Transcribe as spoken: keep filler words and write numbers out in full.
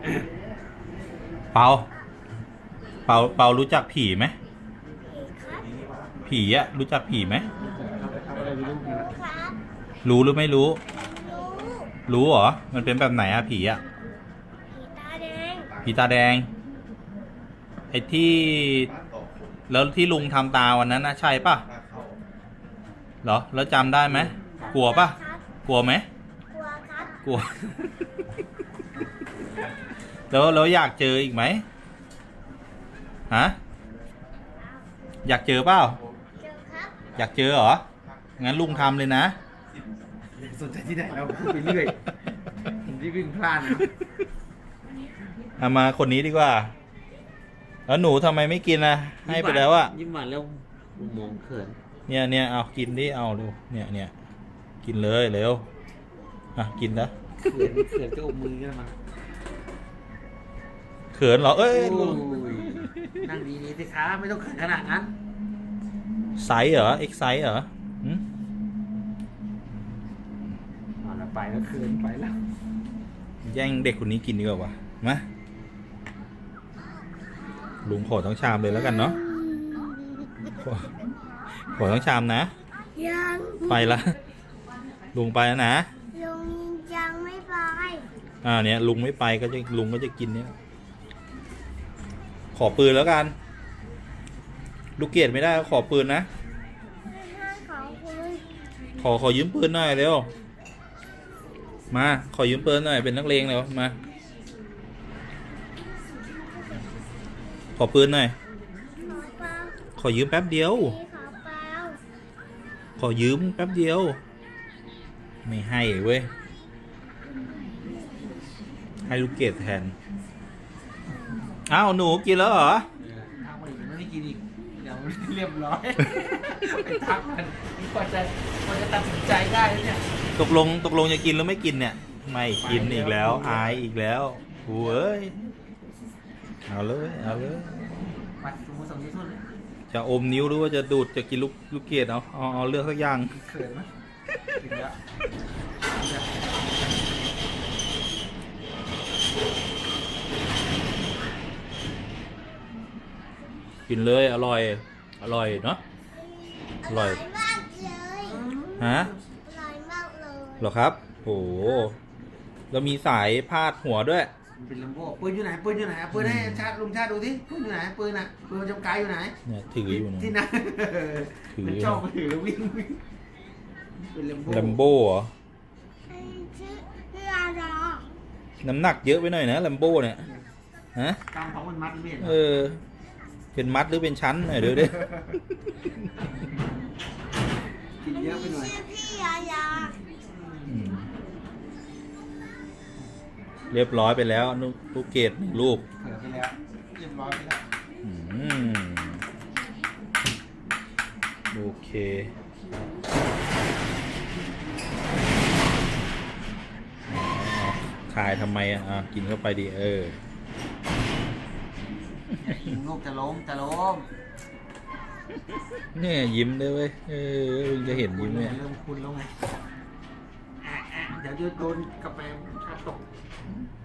เปาเปาเปารู้จักผีไหมผีอะรู้จักผีไหมรู้หรือไม่รู้รู้เหรอมันเป็นแบบไหนอะผีอะผีตาแดงไอ้ที่แล้วที่ลุงทำตาวันนั้นนะใช่ป่ะเหรอแล้วจำได้ไหมกลัวป่ะกลัวไหมกลัวครับกลัว แล้วแล้วอยากเจออีกไหมฮะอยากเจอเปล่าอยากเจอเหรองั้นลุงทำเลยนะสนใจที่ไหนเราพูดไปเรื่อยผมที่วิ่งพลาดนะเอามาคนนี้ดีกว่าแล้วหนูทำไมไม่กินนะให้ไปแล้วอะยิ้มหวานแล้วมองเขินเนี่ยเนี่ยเอากินดิเอาดูเนี่ยเนี่ยกินเลยเร็วอ่ะกินนะเขินเขินก็อมมือกันมาเขินเหรอเอ้ยนั่งดีๆสิคะไม่ต้องเขินขนาดนั้นไซส์เหรอเอ็กไซส์เหรอหืมเอาละไปแล้วเขินไปแล้วแย่งเด็กคนนี้กินดีกว่าวะมาลุงขอทั้งชามเลยแล้วกันเนาะขอขอทั้งชามนะยังไปละลุงไปแล้วนะลุงยังไม่ไปอ่าเนี่ยลุงไม่ไปก็จะลุงก็จะกินเนี่ยขอปืนแล้วกันลูกเกดไม่ได้ขอปืนนะขอขอยืมปืนหน่อยเร็วมาขอยืมปืนหน่อยเป็นนักเลงเร็วมาขอปืนหน่อยขอยืมแป๊บเดียวขอยืมแป๊บเดียวไม่ให้เว้ยให้ลูกเกดแทนอ้าวหนูกินแล้วเหรอทางมันไม่กินอีกเดี๋ยวเรียบร้อยไปทักมันกว่าจะกว่าจะตัดสินใจได้เนี่ยตกลงตกลงจะกินหรือไม่กินเนี่ยไม่กินอีกแล้วอายอีกแล้วโอ้ยเอาเลยเอาเลยมาสมมติสมมติสุดเลยจะอมนิ้วหรือว่าจะดูดจะกินลูกลูกเกดเอาเอาเอาเลือกสักอย่างเขินไหมถึงแล้วกินเลยอร่อยอร่อยเนาะอร่อยมากเลยฮะอร่อยมากเลยเหรอครับโหแล้วมีสายพาดหัวด้วยเป็นลำโพงปืนอยู่ไหนปืนอยู่ไหนปืนให้ชาติลุงชาติดูสิปืนอยู่ไหนปืนอ่ะปืนจำกายอยู่ไหนเนี่ยถืออยู่นะที่นั่นถือชอบถือแล้ววิ่งเป็นลำโพงลัมโบ้เหรอชื่อน้ำหนักเยอะไปหน่อยนะลัมโบ้เนี่ยฮะกำของมันมัดไม่เห็นเออเป็นมัดหรือเป็นชั้นหน่อยเดี๋ยวดิกินเยอะไปหน่อยพี่ยายาเรียบร้อยไปแล้วลูกเกดลูกเผื่อไปแล้วเรียบร้อยไปแล้วโอเคขายทำไมอ่ะกินเข้าไปดิเออลูกจะล้มจะล้มเนี่ยยิ้มด้วยเว้ยเออจะเห็นยิ้มเนี่ยเริ่มคุ้นแล้วไงเดี๋ยวจะโดนกาแฟชาตก